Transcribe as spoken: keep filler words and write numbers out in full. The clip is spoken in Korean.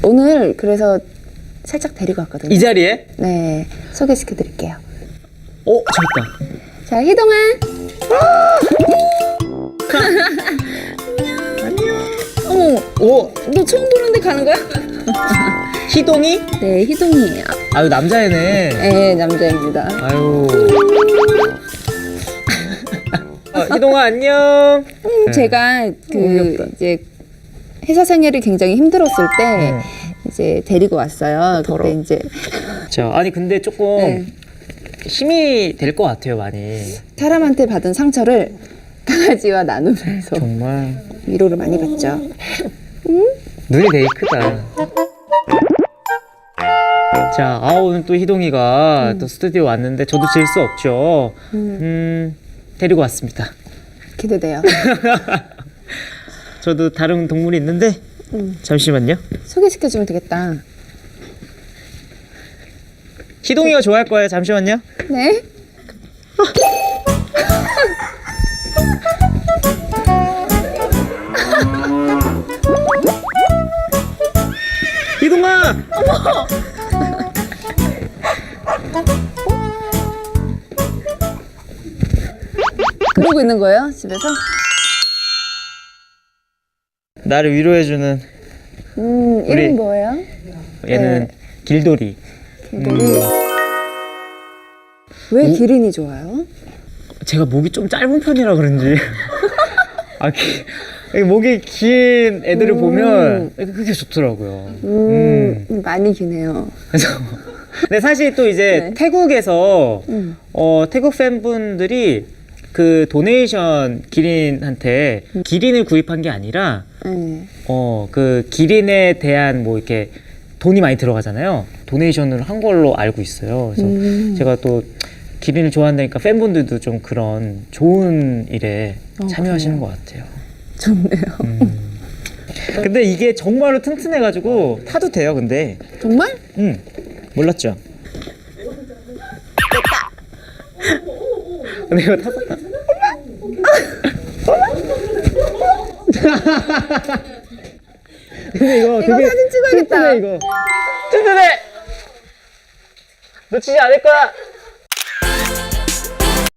오늘 그래서 살짝 데리고 왔거든요. 이 자리에? 네, 소개시켜 드릴게요. 어, 저기 있다. 자, 희동아. 안녕. 어머, 오, 너 처음 보는데 가는 거야? 희동이? 네, 희동이에요. 아유, 남자애네. 네, 남자입니다. 아유. 어, 희동아, 안녕. 음, 제가 그 귀엽다. 이제 회사 생활이 굉장히 힘들었을 때 네. 이제 데리고 왔어요. 더러워. 그때 이제 자, 아니 근데 조금 네. 힘이 될 것 같아요, 많이. 사람한테 받은 상처를 강아지와 나누면서 정말 위로를 많이 받죠. 눈이 되게 크다. 자, 아 오늘 또 희동이가 음. 또 스튜디오 왔는데 저도 질 수 없죠. 음, 음, 데리고 왔습니다. 기대돼요. 저도 다른 동물이 있는데 음, 잠시만요. 소개시켜주면 되겠다. 희동이가 좋아할 거예요. 잠시만요. 네? 희동아! 그러고 있는 거예요? 집에서? 나를 위로해주는 음, 우리- 이름 뭐예요? 얘는 네. 길돌이. 길들이. 왜 오. 기린이 좋아요? 제가 목이 좀 짧은 편이라 그런지 아, 기, 이 목이 긴 애들을 음. 보면 그게 좋더라고요. 음, 음. 많이 기네요. 그래서 근데 사실 또 이제 네. 태국에서 음. 어, 태국 팬분들이 그 도네이션 기린한테 기린을 구입한 게 아니라 네. 어, 그 기린에 대한 뭐 이렇게 돈이 많이 들어가잖아요. 도네이션을 한 걸로 알고 있어요. 그래서 음. 제가 또 기린을 좋아한다니까 팬분들도 좀 그런 좋은 일에 어, 참여하시는 그래요? 것 같아요. 좋네요. 음. 근데 이게 정말로 튼튼해가지고 타도 돼요. 근데 정말? 음 몰랐죠? 근데 이거 타서 근데 이거 이거 되게 사진 찍어야겠다. 튼튼해 이거 튼튼해 놓치지 않을 거야.